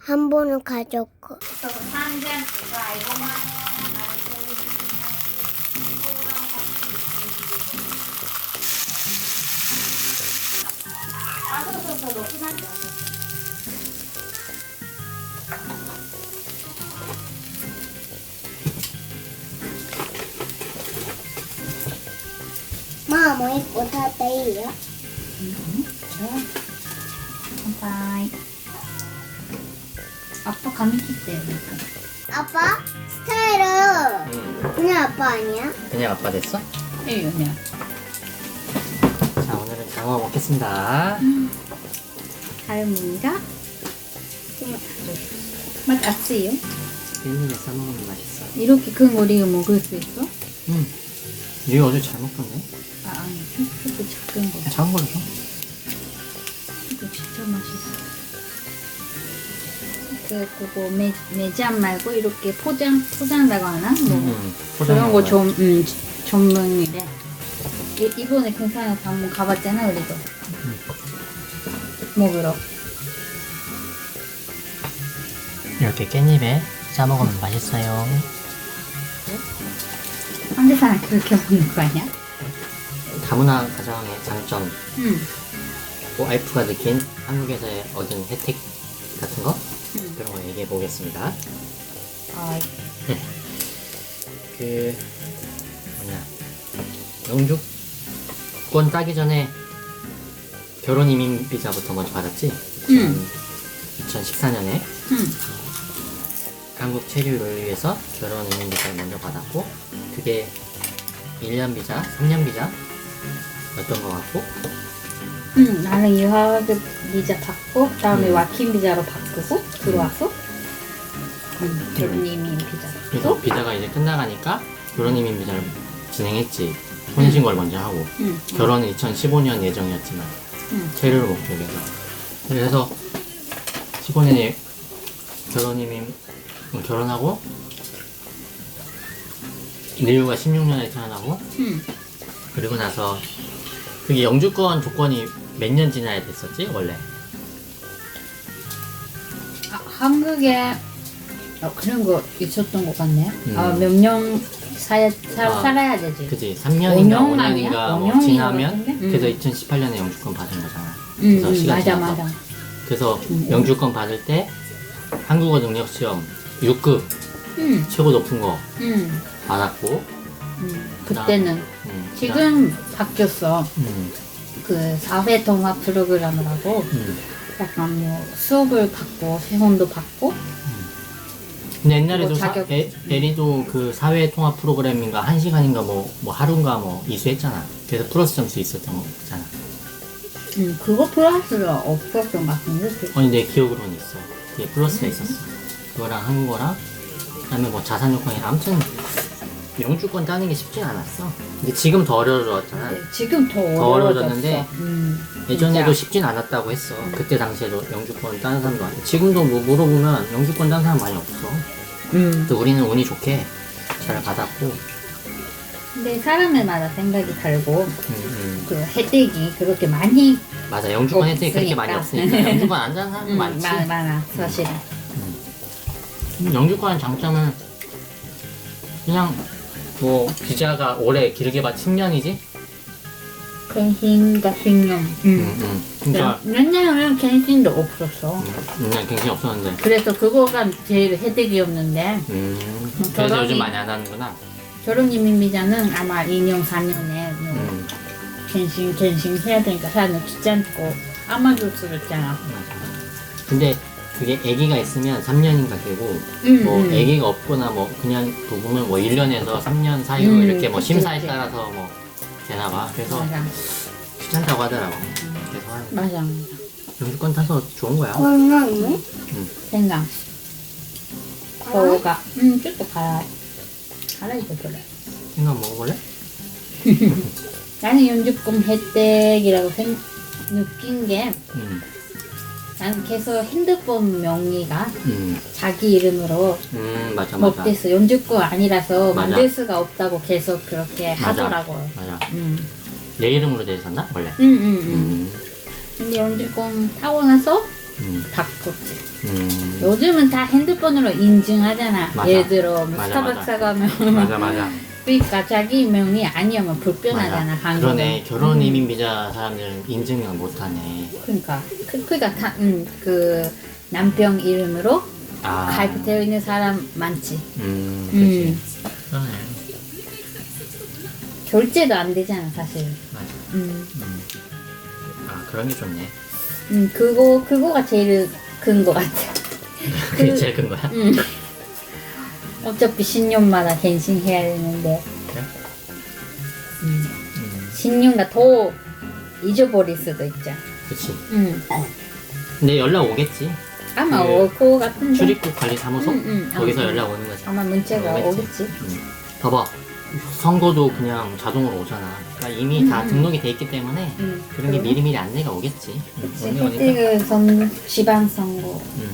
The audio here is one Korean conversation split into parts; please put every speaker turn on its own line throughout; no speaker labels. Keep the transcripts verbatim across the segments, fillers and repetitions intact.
한 번은 가졌고. 마, 뭐 입고 샀대요?
乾杯. 아빠 감이 kit대요.
아빠? 스타일은
응.
그냥 아빠 아니야?
그냥 아빠 됐어?
예, 그냥.
자, 오늘은 장어 먹겠습니다.
할머니가 맛 없어요?
깻잎에 싸먹으면 맛있어.
이렇게 큰 거 우리가 먹을 수 있어?
응. 얘 어제 잘 먹던데?
아, 아니, 이렇게 작은 거.
작은 걸로 줘.
이거 진짜 맛있어. 그, 그거 매, 매장 말고 이렇게 포장, 포장이라고 하나? 뭐
응.
그런 거 좀, 음, 전문이래. 이, 이번에 근산에서 한번 가봤잖아, 우리도. 먹으러.
이렇게 깻잎에 싸먹으면 맛있어요.
한국 사람 그렇게 먹는 거 아니야?
다문화 가정의 장점.
응.
와이프가 느낀 한국에서의 얻은 혜택 같은 거?
응.
그런 거 얘기해 보겠습니다.
아,
그 뭐냐 영주권 따기 전에 결혼 이민 비자부터 먼저 받았지.
응.
이천십사 년에
응.
한국 체류를 위해서 결혼 이민 비자를 먼저 받았고, 그게 일 년 비자, 삼 년 비자 였던 것 같고.
응, 나는 유학 비자 받고, 다음에
음.
와킹 비자로 바꾸고, 들어와서, 응, 결혼 이민 비자
그래서
받고,
비자가 이제 끝나가니까 결혼 이민 비자를 진행했지. 혼인신고를 먼저 하고.
응.
결혼은 이천십오 년 예정이었지만
응.
체류를 목적으로. 그래서 십오 년에 결혼 이민 결혼하고, 리우가 십육 년에 태어나고,
응.
그리고 나서 그게 영주권 조건이 몇 년 지나야 됐었지 원래?
아, 한국에, 어, 그런 거 있었던 것 같네.
음.
아, 몇 년 살, 살,
아,
살아야 되지.
그지. 삼 년인가
오
오
년
년인가
아니야?
뭐
오 년인 것
지나면
같은데?
그래서
음.
이천십팔 년에 영주권 받은 거잖아.
응,
그래서
응,
시간
맞아,
지나서.
맞아.
그래서
음.
영주권 받을 때 한국어 능력 시험 육 급
응,
최고 높은 거
응,
받았고.
응. 그때는.
음,
지금 바뀌었어.
음,
그 사회 통합 프로그램이라고
음.
약간 뭐 수업을 받고 시험도 받고.
근데 옛날에도
그거
사,
자격-
에, 에리도 그 사회 통합 프로그램인가 한 시간인가 뭐, 뭐 하루인가 뭐 이수했잖아. 그래서 플러스 점수 있었던 거잖아.
음, 그거 플러스가 없었던 것 같은데. 그-
아니 내 기억으로는 있어. 그게 플러스가 있었어. 그거랑 한국어랑 그다음에 뭐 자산 요건이랑 아무튼 영주권 따는 게 쉽진 않았어. 근데 지금 더 어려워졌잖아.
네, 지금 더
더
어려워졌어.
어려워졌는데
음,
예전에도
진짜.
쉽진 않았다고 했어. 그때 당시에도 영주권 따는 사람도 많아. 지금도 뭐 물어보면 영주권 따는 사람 많이 없어.
음.
근데 우리는 운이 좋게 잘 받았고.
근데 사람들마다 생각이 다르고
음, 음.
그 혜택이 그렇게 많이
맞아. 영주권 혜택이 그렇게 많이
없으니까.
없으니까 영주권 안 따는 사람도
음,
많지.
많아, 많아 사실은.
음, 영주권의 장점은 그냥 뭐 비자가 오래 길게 받 십 년이지?
갱신과 신용.
음,
음.
음. 그러니까
옛날에는 갱신도 없었어.
음, 그냥 갱신이 없었는데.
그래서 그거가 제일 혜택이었는데
음. 그래서
결혼이-
요즘 많이 안 하는구나.
결혼 이민 비자는 아마 이 년, 사 년에 뭐
음.
갱신, 갱신 해야 되니까 사람들 귀찮고 아마도 쓰였잖아.
맞아. 근데 그게 아기가 있으면 삼 년인가 되고,
음,
뭐
음.
아기가 없거나 뭐 그냥 부부면 뭐 일 년에서 삼 년 사유
음,
이렇게 뭐
그치,
심사에
그치.
따라서 뭐 되나봐. 그래서
맞아,
귀찮다고 하더라고. 그래서 한
맞아.
영주권 타서 좋은 거야.
얼마나?
생강. 저가 음, 쭉도 갈아. 갈아 이거 그래.
생각 먹어볼래?
나는 연주권 혜택이라고 생, 느낀 게
음.
나는 계속 핸드폰 명의가
음.
자기 이름으로
음, 맞아, 맞아.
못됐어. 연주권 아니라서
맞아.
만들 수가 없다고 계속 그렇게
맞아.
하더라고요.
맞아.
음.
내 이름으로 돼 있었나? 원래?
음, 음, 음.
음.
근데 연주권 타고 나서
음.
바꿨지.
음.
요즘은 다 핸드폰으로 인증하잖아.
맞아.
예를 들어 뭐
맞아,
스타벅스
맞아.
가면
맞아 맞아.
그러니까 자기 명이 아니면 불편하잖아.
맞아.
한국은.
그러네. 결혼
음.
이민 비자 사람들은 인증을 못하네.
그러니까 그, 그러니까 다, 음, 그 남편 이름으로
아.
가입되어 있는 사람 많지.
음, 그렇지.
음.
그러네.
결제도 안 되잖아 사실.
맞아.
음,
음. 아, 그런 게 좋네.
음 그거 그거가 제일 큰 거 같아.
그게
그-
제일 큰 거야?
음. 어차피 십 년마다 갱신해야 되는데
그래?
음.
음,
십 년가 더 잊어버릴 수도 있죠.
그치.
음.
근데 연락 오겠지.
아마
그
올 거 같은데.
출입국 관리사무소?
음, 음.
거기서
음.
연락 오는 거지.
아마 문자가
오겠지.
오겠지.
음. 봐봐. 선거도 그냥 자동으로 오잖아. 그러니까 이미 다
음.
등록이 돼 있기 때문에
음.
그런 게
그러네.
미리미리 안내가 오겠지. 음,
그치.
오는 거니까.
혜택을 선 지방선거.
음.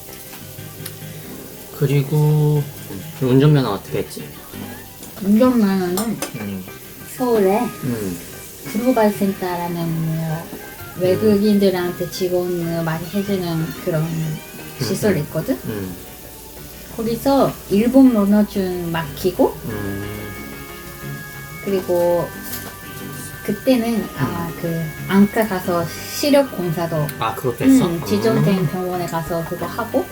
그리고 운전면허 어떻게 했지?
운전면허는
음.
서울에
음.
글로벌 센터라는 뭐 외국인들한테 지원을 많이 해주는 그런 시설이 있거든.
음.
거기서 일본 면허증 맡기고
음.
그리고 그때는 아마 그 안과 가서 시력 검사도
아, 그것도 했어?
음, 지정된
음.
병원에 가서 그거 하고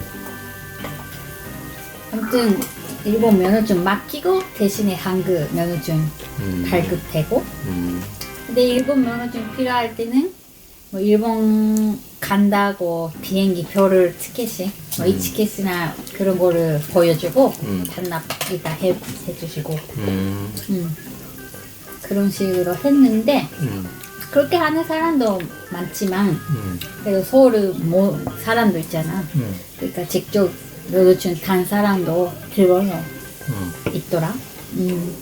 아무튼 일본 면허증 맡기고 대신에 한국 면허증
음.
발급되고
음.
근데 일본 면허증 필요할 때는 뭐 일본 간다고 비행기 표를 티켓이 뭐
음.
이티켓이나 그런 거를 보여주고
음.
반납 일단 해, 해주시고
음.
음. 그런 식으로 했는데
음.
그렇게 하는 사람도 많지만
음.
그래도 서울 뭐 사람도 있잖아.
음.
그러니까 직접 면허증 탄 사람도 들어서
음.
있더라. 음.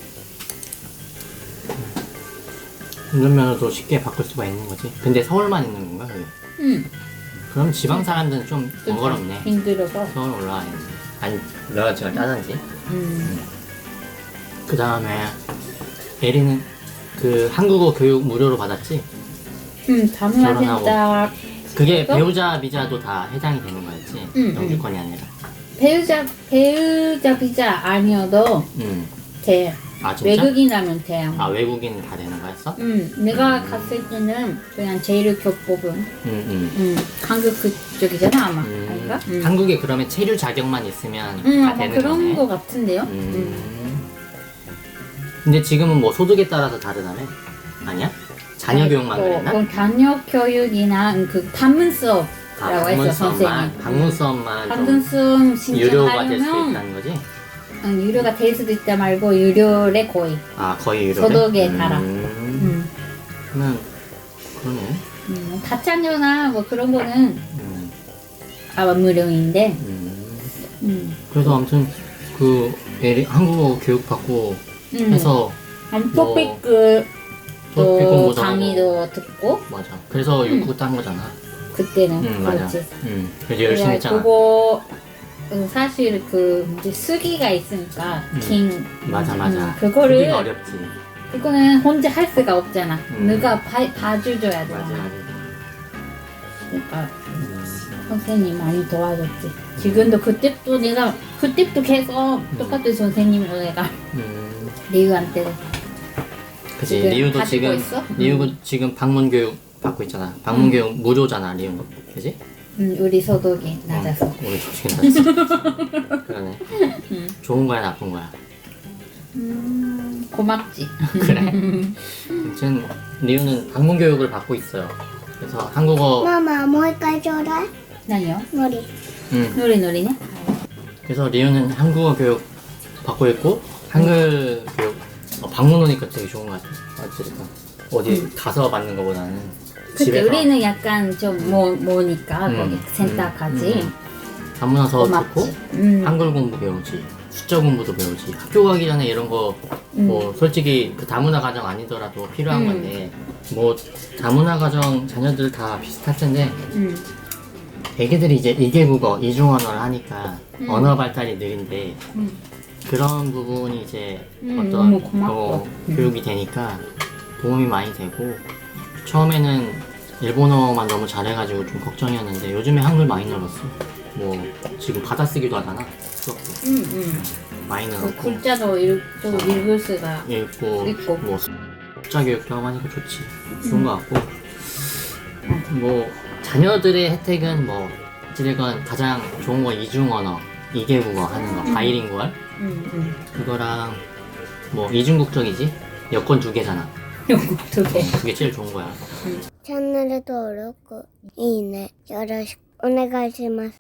운전면허도 쉽게 바꿀 수가 있는 거지. 근데 서울만 있는 건가 그게?
음.
그럼 지방 사람들은 좀 번거롭네.
힘들어서.
서울 올라와야지. 아니 면허증을 따든지.
음.
그 다음에 에리는 그 한국어 교육 무료로 받았지?
음, 다문화
결혼하고.
센터
그게
그래서?
배우자 비자도 다 해당이 되는 거였지?
응,
영주권이 아니라.
배우자 배우자 비자 아니어도
음.
돼.
아 진짜?
외국인이라면 돼. 아마.
아 외국인 다 되는 거였어?
음, 내가
음.
갔을 때는 그냥 제일 교법은
음, 음.
음, 한국 그쪽이잖아 아마.
음.
아닌가? 음.
한국에 그러면 체류 자격만 있으면
음,
다
아마
되는
그런
거네.
거 같은데요.
음.
음.
근데 지금은 뭐 소득에 따라서 다르다며? 아니야? 자녀 교육만
또,
그랬나?
그럼 자녀 교육이나 그 방문 수업이라고
아,
했어
방문
선생님.
수업만, 방문 수업만
방문
좀
수업
유료가 될 수
신청하려면
있다는 거지?
응, 유료가 될 수도 있다 말고 유료래 거의.
아 거의 유료.
소득에 따라.
음.
음.
그러면 그러네.
음, 다자녀나 뭐 그런 거는
음.
아마 무료인데.
음.
음.
그래서 아무튼 그 애리 한국어 교육 받고
음.
해서
토픽을
또
또
공부도
강의도 듣고
맞아. 그래서
음.
육구 딴 거잖아.
그때는
응 맞아.
그렇지.
응. 그래서 열심히 했잖아.
그거 어, 사실 그 이제 쓰기가 있으니까
음.
긴
맞아 맞아.
음, 그거를
쓰기가 어렵지.
그거는 혼자 할 수가 없잖아.
음.
누가 봐, 봐줘줘야 돼.
맞아 맞아.
그러니까
음.
선생님 많이 도와줬지. 지금도 그때도 내가 그때도 계속 똑같은 선생님으로 내가
음.
리우한테
그치.
지금
리우도
가지고
지금
있어?
리우도
음.
지금 방문 교육 받고 있잖아. 방문
음.
교육 무료잖아 리우. 그지?
음, 우리 소득이 낮아서.
응. 우리 소식이 낮아서. 그러네.
음.
좋은 거야 나쁜 거야.
음, 고맙지.
그래. 아무튼 리우는 방문 교육을 받고 있어요. 그래서 한국어
마마 뭐 할까 줘라?
나요?
머리.
음.
노래 노래네.
그래서 리우는 한국어 교육 받고 있고 한글 교육 어, 방문 오니까 되게 좋은 거 같아. 어쨌든 어디 가서 받는 것보다는
그때
집에서
우리는 약간 좀 뭐, 뭐니까
음,
거기 센터까지
음, 음. 방문 와서 듣고
고맙지. 음.
한글 공부 배우지 숫자 공부도 배우지 학교 가기 전에 이런 거 뭐 솔직히 그 다문화 가정 아니더라도 필요한
음.
건데 뭐 다문화 가정 자녀들 다 비슷할 텐데
음.
애기들이 이제 이개국어 이중언어를 하니까
음.
언어 발달이 느린데
음.
그런 부분이 이제
음,
어떤
너무 고맙고.
어,
음.
교육이 되니까 도움이 많이 되고 처음에는 일본어만 너무 잘해가지고 좀 걱정이었는데 요즘에 한글 많이 늘었어. 뭐 지금 받아쓰기도 하잖아. 수업 때.
응, 응.
많이
그
넣고
글자도 읽고 읽을 수가.
읽고
읽고.
뭐 숫자 교육도 하고 하니까 좋지. 좋은 것 같고 뭐 자녀들의 혜택은 뭐 어찌됐건 가장 좋은 거 이중 언어, 이개국어 하는 거, 바이링구얼
응, 응.
그거랑 뭐 이중국적이지 여권 두 개잖아.
영국 두 개.
그게 제일 좋은 거야.
チャンネル登録いいねよろしくお願いします